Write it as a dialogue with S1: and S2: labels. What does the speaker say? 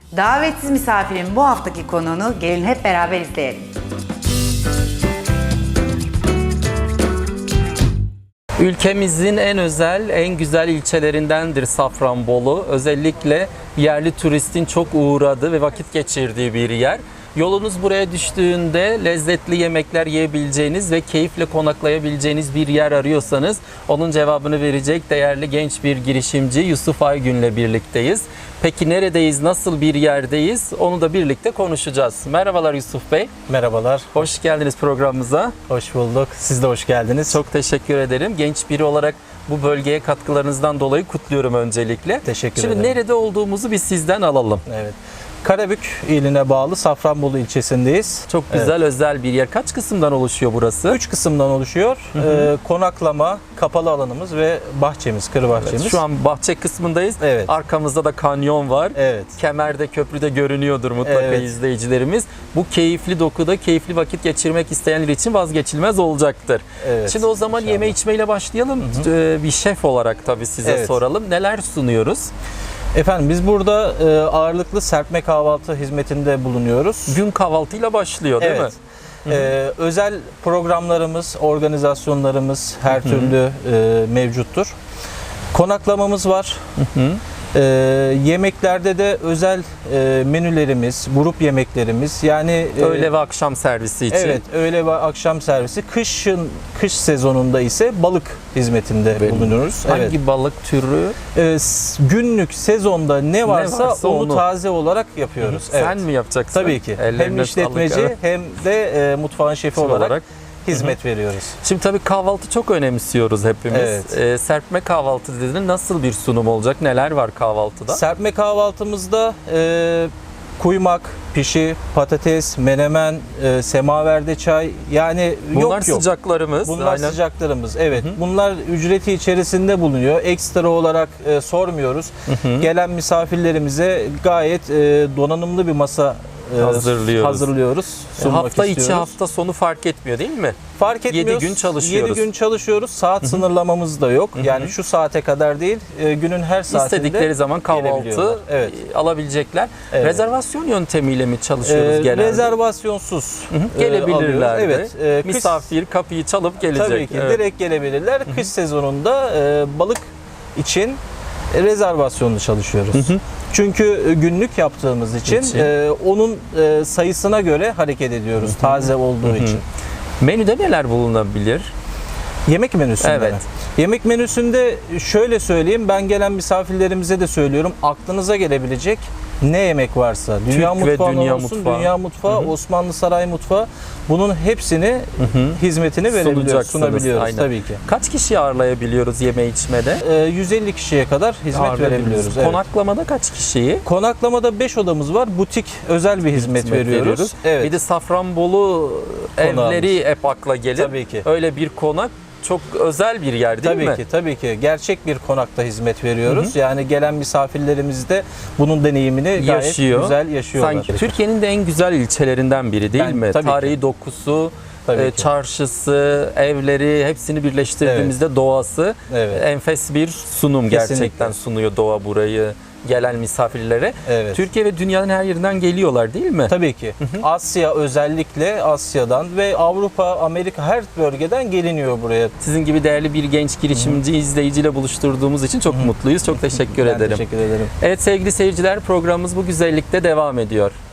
S1: Davetsiz misafirin bu haftaki konuğunu gelin hep beraber izleyelim.
S2: Ülkemizin en özel, en güzel ilçelerindendir Safranbolu. Özellikle yerli turistin çok uğradığı ve vakit geçirdiği bir yer. Yolunuz buraya düştüğünde lezzetli yemekler yiyebileceğiniz ve keyifle konaklayabileceğiniz bir yer arıyorsanız onun cevabını verecek değerli genç bir girişimci Yusuf Aygün'le birlikteyiz. Peki neredeyiz, nasıl bir yerdeyiz onu da birlikte konuşacağız. Merhabalar Yusuf Bey.
S3: Merhabalar.
S2: Hoş geldiniz programımıza.
S3: Hoş bulduk. Siz de hoş geldiniz.
S2: Çok teşekkür ederim. Genç biri olarak bu bölgeye katkılarınızdan dolayı kutluyorum öncelikle.
S3: Teşekkür
S2: Şimdi
S3: ederim.
S2: nerede olduğumuzu biz sizden alalım.
S3: Evet. Karabük iline bağlı Safranbolu ilçesindeyiz.
S2: Çok güzel, özel bir yer. Kaç kısımdan oluşuyor burası?
S3: 3 kısımdan oluşuyor. Konaklama, kapalı alanımız ve bahçemiz, kır bahçemiz.
S2: Evet, şu an bahçe kısmındayız.
S3: Evet.
S2: Arkamızda da kanyon var.
S3: Evet.
S2: Kemer'de, köprüde görünüyordur mutlaka
S3: Evet.
S2: izleyicilerimiz. Bu keyifli dokuda keyifli vakit geçirmek isteyenler için vazgeçilmez olacaktır.
S3: Evet,
S2: Şimdi o zaman
S3: inşallah.
S2: yeme içmeyle başlayalım. Bir şef olarak tabii size
S3: Evet.
S2: soralım. Neler sunuyoruz?
S3: Efendim biz burada ağırlıklı serpme kahvaltı hizmetinde bulunuyoruz.
S2: Gün kahvaltıyla başlıyor değil
S3: Evet.
S2: mi?
S3: Özel programlarımız, organizasyonlarımız her türlü mevcuttur. Konaklamamız var. Yemeklerde de özel menülerimiz, grup yemeklerimiz yani
S2: Öğle ve akşam servisi için.
S3: evet, öğle ve akşam servisi. Kış sezonunda ise balık hizmetinde bulunuyoruz.
S2: Hangi
S3: Evet.
S2: balık türü?
S3: Günlük sezonda ne varsa,
S2: varsa
S3: onu
S2: onu
S3: taze olarak yapıyoruz. Evet.
S2: Sen mi yapacaksın?
S3: Tabii ki. Hem
S2: Ellerine
S3: işletmeci
S2: sağlık, evet.
S3: hem de mutfağın şefi olarak
S2: olarak.
S3: hizmet veriyoruz.
S2: Şimdi tabii kahvaltı çok önemsiyoruz hepimiz.
S3: Evet.
S2: Serpme kahvaltı dedin. Nasıl bir sunum olacak? Neler var kahvaltıda?
S3: Serpme kahvaltımızda kuymak, pişi, patates, menemen, semaverde çay yani
S2: Bunlar
S3: yok.
S2: sıcaklarımız.
S3: Bunlar
S2: Aynen.
S3: sıcaklarımız. Evet. Bunlar ücreti içerisinde bulunuyor. Ekstra olarak sormuyoruz. Gelen misafirlerimize gayet donanımlı bir masa hazırlıyoruz. Sunmak
S2: Hafta içi
S3: istiyoruz.
S2: hafta sonu fark etmiyor değil mi?
S3: Fark etmiyor.
S2: 7 gün çalışıyoruz.
S3: 7 gün çalışıyoruz. Saat sınırlamamız da yok. Yani şu saate kadar değil, günün her saatinde
S2: İstedikleri zaman kahvaltı
S3: gelebiliyorlar. Evet.
S2: alabilecekler.
S3: Evet.
S2: Rezervasyon yöntemiyle mi çalışıyoruz genelde?
S3: Rezervasyonsuz
S2: Gelebilirler.
S3: alıyoruz. Evet.
S2: Misafir kapıyı çalıp gelecek.
S3: Tabii ki
S2: Evet.
S3: direkt gelebilirler. Kış sezonunda balık için rezervasyonlu çalışıyoruz. Çünkü günlük yaptığımız için onun sayısına göre hareket ediyoruz. Taze olduğu için.
S2: Menüde neler bulunabilir?
S3: Yemek menüsünde
S2: Evet.
S3: mi? Yemek menüsünde şöyle söyleyeyim, ben gelen misafirlerimize de söylüyorum. Aklınıza gelebilecek ne yemek varsa, dünya
S2: Türk ve
S3: mutfağı
S2: dünya
S3: olsun,
S2: mutfağı.
S3: dünya mutfağı, Osmanlı saray mutfağı, bunun hepsini hizmetini verebiliyoruz,
S2: Sunacaksınız,
S3: sunabiliyoruz
S2: aynen.
S3: tabii ki.
S2: Kaç kişi ağırlayabiliyoruz yeme içmede?
S3: 150 kişiye kadar hizmet verebiliyoruz. Evet.
S2: Konaklamada kaç kişiyi?
S3: Konaklamada 5 odamız var. Butik özel bir hizmet veriyoruz. Evet.
S2: Bir de Safranbolu evleri hep akla gelir.
S3: Tabii ki.
S2: Öyle bir konak çok özel bir yer değil mi?
S3: Tabii ki, tabii ki. Gerçek bir konakta hizmet veriyoruz. Yani gelen misafirlerimiz de bunun deneyimini gayet güzel yaşıyorlar.
S2: Sanki Türkiye'nin de en güzel ilçelerinden biri değil mi?
S3: tabii ki.
S2: Tarihi dokusu,
S3: Tabii ki.
S2: çarşısı, evleri hepsini birleştirdiğimizde doğası
S3: Evet.
S2: enfes bir sunum
S3: Kesinlikle.
S2: gerçekten sunuyor doğa burayı gelen misafirlere.
S3: Evet.
S2: Türkiye ve dünyanın her yerinden geliyorlar değil mi?
S3: Tabii ki. Asya, özellikle Asya'dan ve Avrupa, Amerika, her bölgeden geliniyor buraya.
S2: Sizin gibi değerli bir genç girişimci izleyiciyle buluşturduğumuz için çok mutluyuz. Çok teşekkür
S3: Ben
S2: ederim.
S3: teşekkür ederim.
S2: Evet sevgili seyirciler, programımız bu güzellikte devam ediyor.